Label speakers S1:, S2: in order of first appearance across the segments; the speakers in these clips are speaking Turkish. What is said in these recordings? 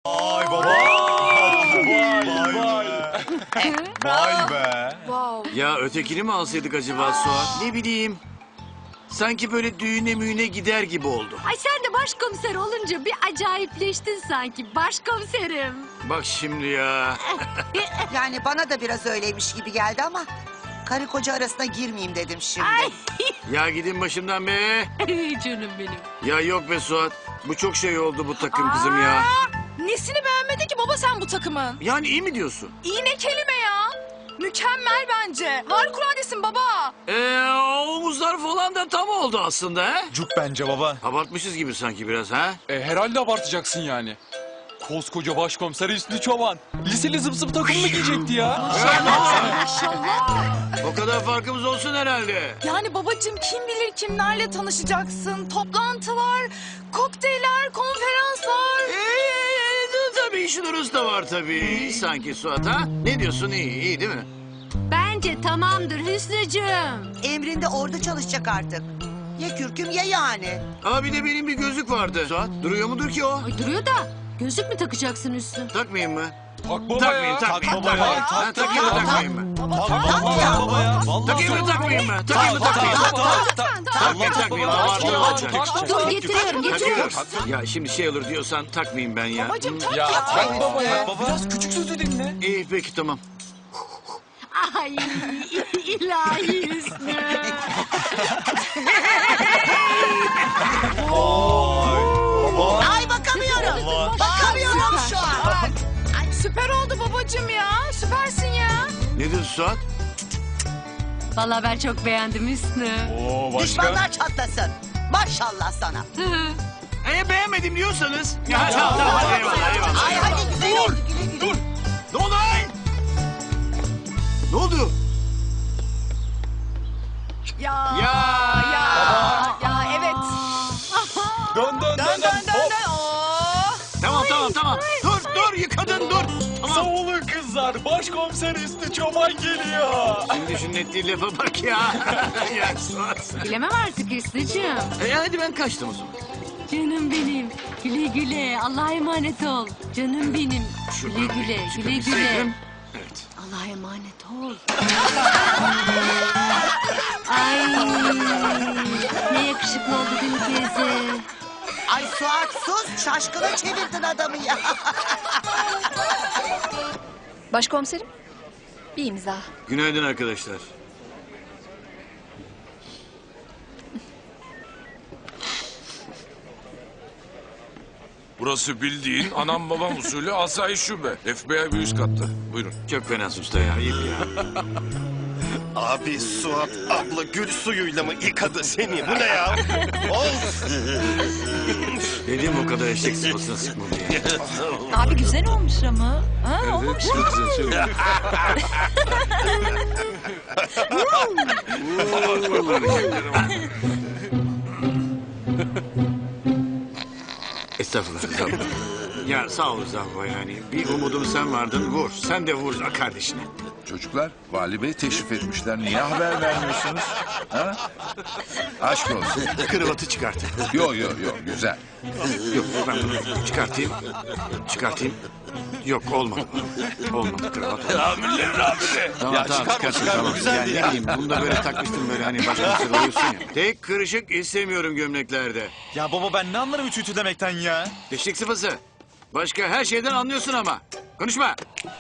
S1: Vay baba. Vay be.
S2: Wow.
S3: Ya ötekini mi alsaydık acaba Suat? Ne bileyim. Sanki böyle düğüne müğüne gider gibi oldu.
S2: Ay sen de başkomiser olunca bir acayipleştin sanki başkomiserim.
S3: Bak şimdi ya.
S4: Yani bana da biraz öyleymiş gibi geldi ama karı koca arasına girmeyeyim dedim şimdi.
S2: Ay
S3: Ya gidin başımdan be.
S2: canım benim.
S3: Ya yok be Suat. Bu çok şey oldu bu takım kızım ya.
S5: Nesini beğenmedin ki baba sen bu takımın?
S3: Yani iyi mi diyorsun?
S5: İyi ne kelime ya? Mükemmel bence. Harikuladesin baba.
S3: O omuzlar falan da tam oldu aslında ha?
S1: Cuk bence baba.
S3: Abartmışız gibi sanki biraz ha?
S6: Herhalde abartacaksın yani. Koskoca başkomiser Hüsnü Çoban. Liseli zıp zıp takım mı giyecekti ya?
S5: Maşallah.
S3: O kadar farkımız olsun herhalde.
S5: Yani babacığım kim bilir kimlerle tanışacaksın. Toplantılar, kokteyller, konferanslar.
S3: Tabii işin urusu da var tabii. Sanki Suat ha? Ne diyorsun iyi değil mi?
S2: Bence tamamdır Hüsnücüğüm.
S4: Emrinde ordu çalışacak artık. Ya kürküm ya yani.
S3: Aa bir de benim bir gözlük vardı. Suat duruyor mudur ki o?
S2: Ay duruyor da gözlük mü takacaksın Hüsnü?
S3: Takmayayım mı?
S6: Tak baba
S3: Takmayayım,
S6: ya.
S3: takmayayım.
S1: baba ya.
S3: Ha, takayım mı, takmayayım mı?
S4: Tak ya.
S1: Baba ya.
S3: Takayım mı, takmayayım mı? Takayım mı, takmayayım mı? Takmayayım, takmayayım. Abartı olacak.
S2: Dur getiriyorum.
S3: Ya şimdi şey olur diyorsan takmayayım ben ya.
S5: Babacığım tak
S6: Ya
S5: ya.
S6: tak baba ya. Biraz küçük sözü dinle.
S3: İyi peki tamam.
S2: Ay ilahi Hüsnü.
S4: Ay bakamıyorum. Bakamıyorum şu an.
S5: Ay, süper oldu babacığım ya. Süpersin ya.
S3: Nedir Suat?
S2: Vallahi ben çok beğendim Hüsnü.
S1: Oo başka.
S4: Düşmanlar çatlasın. Maşallah sana.
S3: Beğenmedim diyorsanız. Ya tamam eyvallah.
S4: Ay hadi güzel oldu. Güle güle.
S3: Ne oldu lan? Ne oldu?
S5: Ya.
S3: Ya.
S5: Ya evet.
S6: Dön dön
S5: Dön dön dön dön. Oo.
S3: Tamam. Dur yıkadın dur. Tamam.
S6: Savunun kızlar. Başkomiser Hüsnü Çoban geliyor.
S3: Şimdi şunun ettiği lafa bak ya. Ya Suat.
S2: Bilemem artık Hüsnücüğüm.
S3: Hadi ben kaçtım o zaman.
S2: Canım benim. Güle güle. Allah'a emanet ol. Canım benim.
S3: Şuradan
S2: Güle güle.
S3: bir
S2: Güle güle.
S3: çıkabilseydim. Evet.
S2: Allah'a emanet ol. Ay ne yakışıklı oldu değil mi teyze?
S4: Ay Suat sus. Şaşkına çevirdin adamı ya.
S7: Başkomiserim, bir imza.
S3: Günaydın arkadaşlar.
S8: Burası bildiğin anam babam usulü asayiş şube. FBI bir üst katta. Buyurun.
S3: Çok fena usta ya. Ayıp ya.
S9: Abi Suat abla gül suyuyla mı yıkadı seni? Bu ne ya? Of!
S3: Dedim o kadar eşek sıpasına sıkma diye.
S7: Abi güzel olmuş ama. Ha, olmamış mı?
S3: Estağfurullah. Ya sağ ol Zahva yani. Bir umudum sen vardın vur. Sen de vur kardeşine.
S10: Çocuklar, Vali Bey teşrif etmişler. Niye haber vermiyorsunuz? Ha? Aşk olsun.
S3: Kravatı çıkartın.
S10: Yo, güzel.
S3: Yok ben bunu çıkartayım. Yok olmadı. Olmadı kravat.
S8: Amirler amire.
S3: Tamam çıkarsın tamam. Yani ne bileyim bunu da böyle takmıştım böyle hani başkomiser oluyorsun ya. Tek kırışık istemiyorum gömleklerde.
S1: Ya baba ben ne anlarım ütü demekten ya.
S3: Eşek sıfası. Başka her şeyden anlıyorsun ama. Konuşma.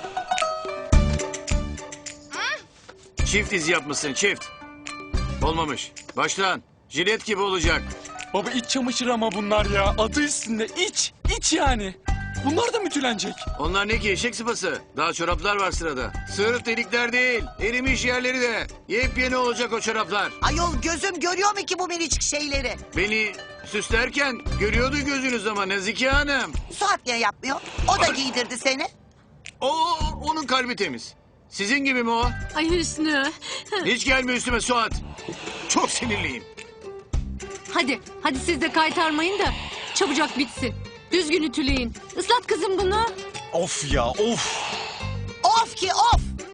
S3: Çift iz yapmışsın çift. Olmamış. Baştan. Jilet gibi olacak.
S6: Baba iç çamaşırı ama bunlar ya. Adı üstünde iç. İç yani. Bunlar da mı ütülenecek?
S3: Onlar ne ki eşek sıpası? Daha çoraplar var sırada. Sırf delikler değil. Erimiş yerleri de. Yepyeni olacak o çoraplar.
S4: Ayol gözüm görüyor mu ki bu minicik şeyleri?
S3: Beni süslerken görüyordu gözünüz ama Nazike Hanım.
S4: Suat niye yapmıyor? O da giydirdi seni.
S3: Onun kalbi temiz. Sizin gibi mi o?
S2: Ay Hüsnü.
S3: Hiç gelme üstüme Suat. Çok sinirliyim.
S2: Hadi siz de kaytarmayın da çabucak bitsin. Düzgün ütüleyin. Islat kızım bunu.
S1: Of ya of.
S4: Of ki of.